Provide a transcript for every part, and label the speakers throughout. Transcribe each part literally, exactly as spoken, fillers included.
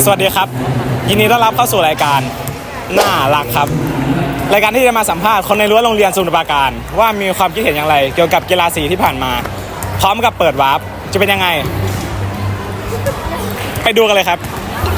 Speaker 1: สวัสดีครับยินดีต้อนรับเข้าสู่รายการน่ารักครับรายการที่จะมาสัมภาษณ์คนในรั้วโรงเรียนสมุทรปราการว่ามีความคิดเห็นอย่างไรเกี่ยวกับกีฬาสีที่ผ่านมาพร้อมกับเปิดวาร์ปจะเป็นยังไงไปดูกันเลยครับ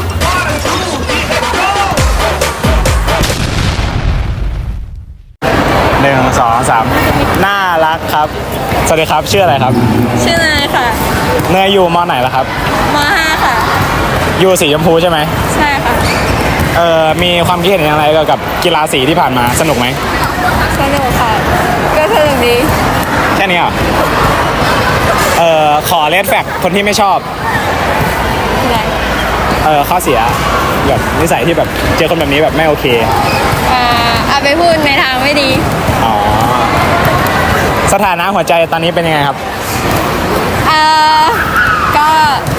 Speaker 1: หนึ่งสองสามน่ารักครับสวัสดีครับชื่ออะไรครับ
Speaker 2: ชื่อเนยค่ะ
Speaker 1: เนยอยู่ม.ไหนล่ะครับ
Speaker 2: ม.ห้าค่ะ
Speaker 1: อยู่สีชมพูใช่ไหม
Speaker 2: ใช่ค่ะ
Speaker 1: เอ่อมีความคิดเห็นอย่างไรเกี่ยวกับกีฬาสีที่ผ่านมาสนุกไหม
Speaker 2: สนุกค่ะก็สนุกดี
Speaker 1: แค่นี้เหรอเอ่อขอเลดแฟกคนที่ไม่ชอบ
Speaker 2: อะไร
Speaker 1: เออข้อเสียแบบนิสัยที่แบบเจอคนแบบนี้แบบไม่โอเค
Speaker 2: อ่าเอาไปพูดในทางไม่ดี
Speaker 1: อ๋อสถานะหัวใจตอนนี้เป็นยังไงครับ
Speaker 2: เอ่อก็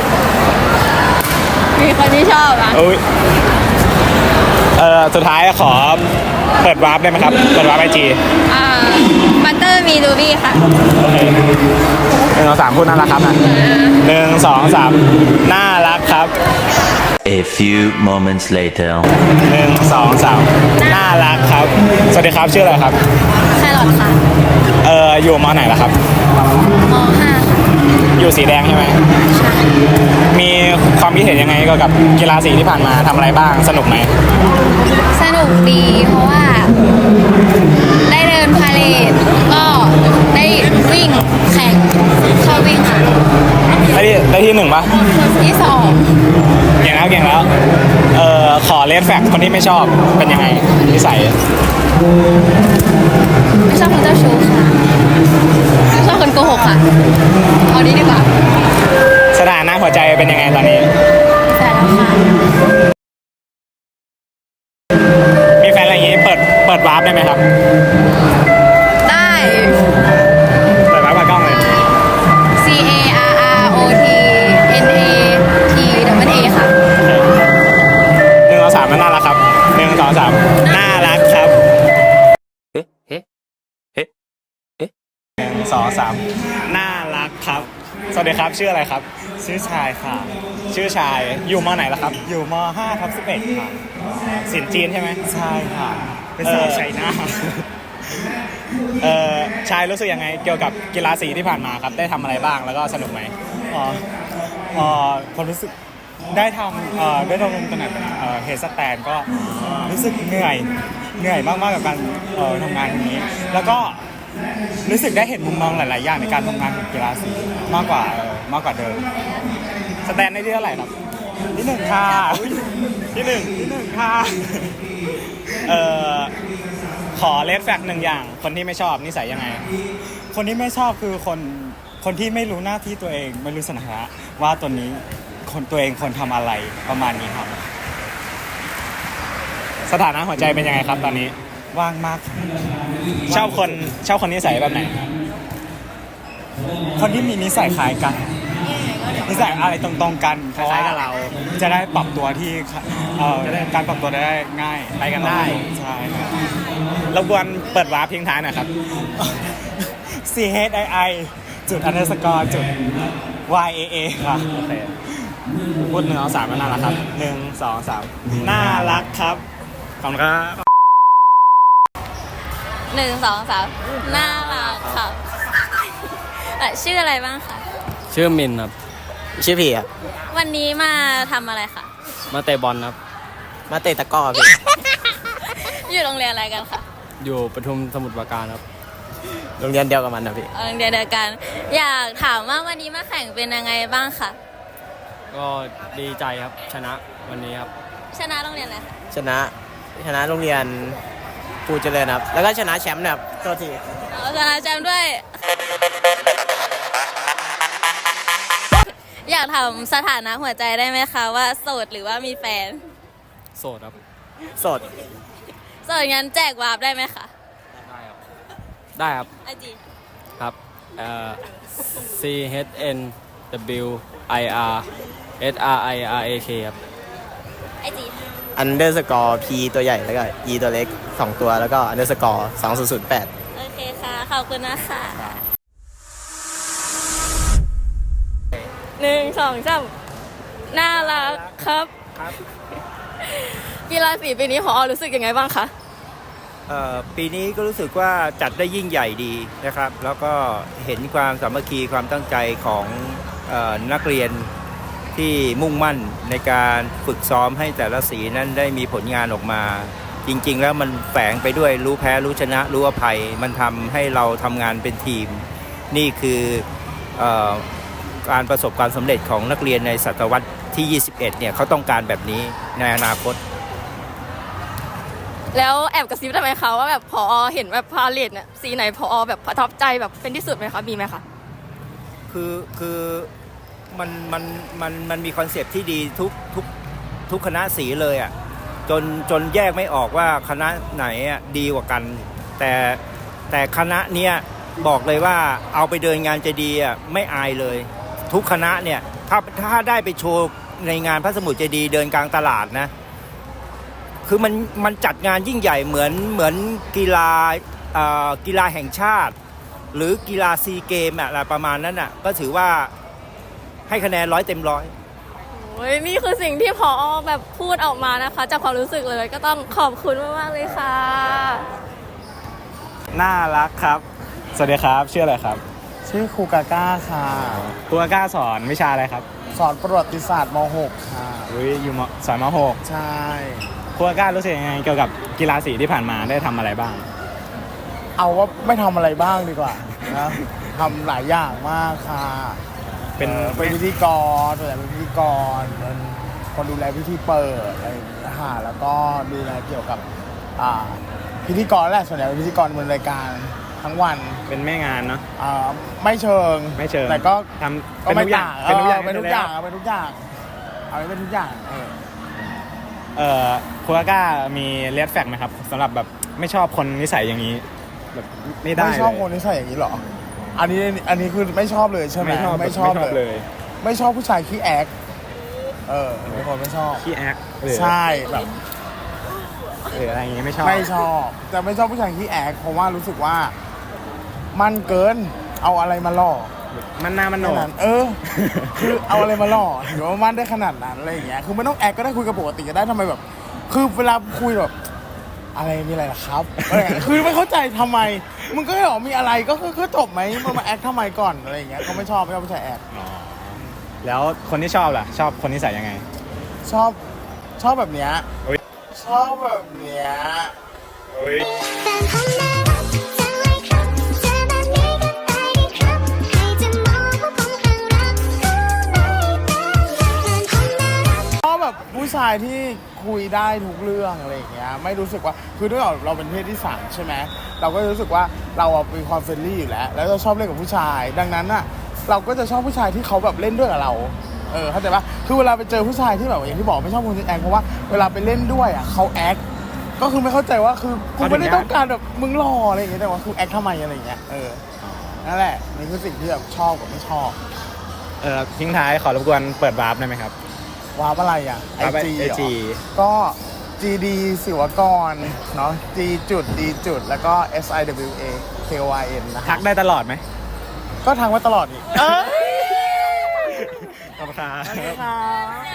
Speaker 2: มีคนที่ชอบอ่ะ
Speaker 1: อุ้ยเออสุดท้ายขอเปิดวาร์ปได้ไหมครับเปิดวาร์ปไอจี
Speaker 2: อ่าบัตเตอร์มีดูบี้ค่ะ
Speaker 1: โอเคหนึ่งสองสามพูดน่ารักครับนะหนึ่งสองสามน่ารักครับ
Speaker 3: A few moments later
Speaker 1: หนึ่งสองสามน่ารักครับสวัสดีครับชื่ออะไรครับ
Speaker 2: แครอทค่ะ
Speaker 1: เอออยู่ม.ไหนล่ะครับ
Speaker 2: ม.ห้าค่ะ
Speaker 1: อยู่สีแดงใช่ไหมใช่มีความคิดเห็นยังไงเกี่ยวกับกีฬาสีที่ผ่านมาทำอะไรบ้างสนุกไหม
Speaker 2: สนุกดีเพราะว่าได้เดินพาเหรดก็ได้วิ่งแข่งเข้าวิ่งค่ะ
Speaker 1: ได้ที่ได้ที่หนึ่งปะ
Speaker 2: ที่สอง
Speaker 1: เก่งแล้วเก่งแล้วเออขอเลดแฟกคนที่ไม่ชอบเป็นยังไงนิสัย
Speaker 2: ไม่ชอบคนเจ้าชู้ค่ะไม่ชอบคนโกหกค่ะเอานี้ดีกว่า
Speaker 1: สถานะหัวใจเป็นยังไงตอนนี้
Speaker 2: แฟนแล้วค่ะ
Speaker 1: มีแฟนอะไรอย่างงี้เปิดเปิดวาร์ปได้ไหมครับ
Speaker 2: ได้
Speaker 1: เปิดวาร์ปกับกล้องเลย
Speaker 2: C A R R O T N A T W A ค่ะ
Speaker 1: หนึ่งสองสามมันน่ารักครับหนึ่งสองสามน่ารักครับ
Speaker 3: เฮ้เฮ้เฮ้เฮ้
Speaker 1: หนึ่งสองสามน่ารักครับสวัสดีครับชื่ออะไรครับ
Speaker 4: ชื่อชายค่ะ
Speaker 1: ชื่อชายอยู่ม.ไหนล่ะครับ
Speaker 4: อยู่ม ห้าทับสิบเอ็ดค่ะ
Speaker 1: ศิลป์จีนใช่ไหม
Speaker 4: ใช่ค่ะเป็นสาวชัยนาท
Speaker 1: เออชายรู้สึกยังไงเกี่ยวกับกีฬาสีที่ผ่านมาครับได้ทำอะไรบ้างแล้วก็สนุกไหม
Speaker 4: อ๋ออ๋อผมรู้สึกได้ทำเอ่อได้ทำลงตำแหน่งเป็นเอ่อเฮดสแตนก็รู้สึกเหนื่อยเหนื่อยมากๆกับการเอ่อทำงานนี้แล้วก็รู้สึกได้เห็นมุมมองหลายๆอย่างในการทำงานของกีฬาสีมากกว่าเออมากกว่าเดิม
Speaker 1: สแตนได้ที่เท่าไหร่ครับ
Speaker 4: ที่หนึ่งค่ะ
Speaker 1: ที่หนึ่ง
Speaker 4: ที่หนึ่งค่ะ
Speaker 1: เอ่อขอเลดแฟกหนึ่งอย่างคนที่ไม่ชอบนิสัยยังไง
Speaker 4: คนที่ไม่ชอบคือคนคนที่ไม่รู้หน้าที่ตัวเองไม่รู้สถานะว่าตัวนี้คนตัวเองคนทำอะไรประมาณนี้ครับ
Speaker 1: สถานะหัวใจเป็นยังไงครับตอนนี้
Speaker 4: ว่างมาก
Speaker 1: ชอบคนชอบคนนิสัยแบบไหน
Speaker 4: คนที่มีนิสัยคล้ายกันนิสัยอะไรตรงๆกัน
Speaker 1: คล้ายกับเรา
Speaker 4: จะได้ปรับตัวที่เอ่อการปรับตัวได้ง่าย
Speaker 1: ไปกันได้
Speaker 4: ใช่ครับ
Speaker 1: รบกวนเปิดวาร์ปทิ้งท้ายหน่อยครับ
Speaker 4: C H I I จุด underscore จุด Y A A ค่ะ
Speaker 1: โอเคพูดหนึ่งสองสามน่ารักครับหนึ่งสองสามน่ารักครับขอบคุณครับ
Speaker 2: หนึ่งสองสามน่ารักครับชื่ออะไรบ้างคะ
Speaker 5: ชื่อมินครับ
Speaker 6: ชื่อพี่ครับ
Speaker 2: วันนี้มาทำอะไรคะ
Speaker 5: มาเตะบอลครับ
Speaker 6: มาเตะตะก้อพี่
Speaker 2: อยู่โรงเรียนอะไรกันคะ
Speaker 5: อยู่ปทุมสมุทรปราการครับ
Speaker 6: โรงเรียนเดียวกับมันนะพี่
Speaker 2: โรงเรียนเดียวกันอยากถามว่าวันนี้มาแข่งเป็นยังไงบ้างคะ
Speaker 5: ก็ดีใจครับชนะวันนี้ครับ
Speaker 2: ชนะโรงเรียนอะไรคะ
Speaker 6: ชนะชนะโรงเรียนภูเจริญครับแล้วก็ชนะแชมป์นะครับโทษที
Speaker 2: ชนะแชมป์ด้วยอยากถามสถานะหัวใจได้ไหมคะว่าโสดหรือว่ามีแฟน
Speaker 5: โสดครับ
Speaker 6: โสด
Speaker 2: โสดงั้นแจกวาร์ปได้ไหมคะ
Speaker 5: ได้ครับได้ครับ
Speaker 2: ไอจี
Speaker 5: ครับเอ่อ C H N W I R S R I R A K ครับ
Speaker 2: ไอจี
Speaker 6: underscore P ตัวใหญ่แล้วก็ E ตัวเล็กสองตัวแล้วก็ underscore สองศูนย์ศูนย์แปด
Speaker 2: โอเคค่ะขอบคุณนะคะหนึ่งสองสามน่ารักครับ
Speaker 7: กีฬาสีปีนี้ผอรู้สึกยังไงบ้างคะ
Speaker 8: เอ่อปีนี้ก็รู้สึกว่าจัดได้ยิ่งใหญ่ดีนะครับ แล้วก็เห็นความสามัคคีความตั้งใจของเอ่อนักเรียนที่มุ่งมั่นในการฝึกซ้อมให้แต่ละสีนั้นได้มีผลงานออกมา จริงๆแล้วมันแฝงไปด้วยรู้แพ้รู้ชนะรู้อภัย มันทำให้เราทำงานเป็นทีม นี่คือเอ่อการประสบความสำเร็จของนักเรียนในศตวรรษที่ ยี่สิบเอ็ด เนี่ยเขาต้องการแบบนี้ในอนาคต
Speaker 7: แล้วแอบกระซิบได้ไหมคะว่าแบบผอเห็นแบบพาเลทเนี่ยสีไหนผอแบบประทับใจแบบเป็นที่สุดไหมคะมีไหมคะ
Speaker 8: คือคือมันมันมันมันมีคอนเซปต์ที่ดีทุกทุกทุกคณะสีเลยอ่ะจนจนแยกไม่ออกว่าคณะไหนอ่ะดีกว่ากัน แต่แต่คณะเนี้ยบอกเลยว่าเอาไปเดินงานเจดีย์อ่ะไม่อายเลย ทุกคณะเนี่ยถ้าถ้าได้ไปโชว์ในงานพระสมุทรเจดีย์เดินกลางตลาดนะคือมันมันจัดงานยิ่งใหญ่เหมือนเหมือนกีฬาเอ่อกีฬาแห่งชาติ หรือกีฬาซีเกมอะไรประมาณนั้นอ่ะก็ถือว่าให้คะแนนร้อยเต็มร้อย
Speaker 7: โอ้ยนี่คือสิ่งที่ผอแบบพูดออกมานะคะจากความรู้สึกเลยก็ต้องขอบคุณมากๆเลยค่ะ
Speaker 1: น่ารักครับ สวัสดีครับชื่ออะไรครับ
Speaker 4: ชื่อครูกาก้าค่ะ
Speaker 1: ครูกล้าสอนวิชาอะไรครับ
Speaker 4: สอนประวัติศาสตร์ม หก ค่ะ
Speaker 1: อุ้ยอยู่มสอนมหก
Speaker 4: ใช่
Speaker 1: ครูกล้ารู้สึกยังไงเกี่ยวกับกีฬาสีที่ผ่านมาได้ทำอะไรบ้าง
Speaker 4: เอาว่าไม่ทำอะไรบ้างดีกว่านะทำหลายอย่างมากค่ะ
Speaker 1: เป็น
Speaker 4: เอ่อเป็นพิธีกรส่วนใหญ่เป็นพิธีกรเป็นคนดูแลพิธีเปิดอะไรอย่างเงี้ยค่ะแล้วก็ดูแลเกี่ยวกับอ่าพิธีกรแหละส่วนใหญ่เป็นพิธีกรบนรายการทั้งวัน
Speaker 1: เป็นแม่งานเนาะ
Speaker 4: อ่าไม่เชิง
Speaker 1: ไม่เชิง
Speaker 4: แต่ก็
Speaker 1: ทำ
Speaker 4: ก็ไม่ต่าง
Speaker 1: เป็นทุกอย่าง
Speaker 4: เป็นทุกอย่างเอาเป็นทุกอย่างเอาเป็นทุกอย่างเออ
Speaker 1: เอ่อครูกล้ามีเลดแฟกไหมครับสำหรับแบบไม่ชอบคนนิสัยอย่างนี้แบบไม่ได้
Speaker 4: ไม่ชอบ
Speaker 1: เลย
Speaker 4: คนนิสัยอย่างนี้เหรออันนี้อันนี้คือไม่ชอบเลยใช่ไหม
Speaker 1: ไม่ชอบ
Speaker 4: ไม่ชอบ
Speaker 1: ไม่ชอบ
Speaker 4: เล
Speaker 1: เลย ย
Speaker 4: ไม่ชอบผู้ชายขี้แอคเออเป็นคนไม่ชอบ
Speaker 1: ขี้แอคหรือ
Speaker 4: ใช่แบบ
Speaker 1: หรืออะไรอย่างงี้ไม่ชอบ
Speaker 4: ไม่ชอบแต่ไม่ชอบผู้ชายขี้แอคเพราะว่ารู้สึกว่ามันเกินเอาอะไรมาหล่อ
Speaker 1: มันหน้ามันโหน
Speaker 4: แค่
Speaker 1: ก
Speaker 4: นั้นเออ คือเอาอะไรมาหล่อถือว่ามันได้ขนาดนั้นอะไรอย่างเงี้ยคือไม่ต้องแอคก็ได้คุยกับปกติก็ได้ทำไมแบบ คือเวลาคุยแบบ อะไรมีอะไรล่ะครับอะไรอย่างเงี้ยคือไม่เข้าใจทำไมมึงก็บอกมีอะไรก็คือคือจบไหมมึงมาแอคทำไมก่อนอะไรอย่างเงี้ยก็ไม่ชอบไม่ชอบผู้ชายแอค
Speaker 1: แล้วคนที่ชอบล่ะ ชอบคนนิสัยยังไง
Speaker 4: ชอบชอบแบบเนี้ย
Speaker 1: อุ๊ย
Speaker 4: ชอบแบบเนี้ย
Speaker 9: แฟนของน่ารักจังเลยครับเจอแบบนี้ก็ไปดีครับ ใครจะมองว่าผมข้างรักก็ไม่เป็นไรแฟนของน่ารัก
Speaker 4: ชอบแบบผู้ชายที่คุยได้ทุกเรื่องอะไรอย่างเงี้ยไม่รู้สึกว่าคือด้วยเราเป็นเพศที่สามใช่ไหมเราก็รู้สึกว่าเราอะเป็นความเฟรนลี่อยู่แล้วแล้วเราชอบเล่นกับผู้ชาย ดังนั้นอะเราก็จะชอบผู้ชายที่เขาแบบเล่นด้วยกับเราเออเข้าใจปะคือเวลาไปเจอผู้ชายที่แบบอย่างที่บอกไม่ชอบคนที่แอคเพราะว่าเวลาไปเล่นด้วยอะเขาแอคก็คือไม่เข้าใจว่าคือกูไม่ได้ต้องการแบบมึงหล่ออะไรอย่างเงี้ยแต่ว่าคือแอคทำไมอะไรอย่างเงี้ยเออนั่นแหละนี่คือสิ่งที่แบบชอบกับไม่ชอบ
Speaker 1: เออทิ้งท้ายขอรบกวนเปิดวาร์ปได้ไหไหมครับ
Speaker 4: วาร์ปอะไรอ่ะไอ
Speaker 1: วาร์ป
Speaker 4: จี
Speaker 1: ไอจี
Speaker 4: ก็ จี ดี ศิวกรเนาะ G จุด D จุดแล้วก็ S I W A K O I N นะ
Speaker 1: ทักได้ตลอดไหม
Speaker 4: ก็ทักมาตลอดนี่เอ้ย
Speaker 1: ขอบคุณครับ
Speaker 4: สวัสดีครับ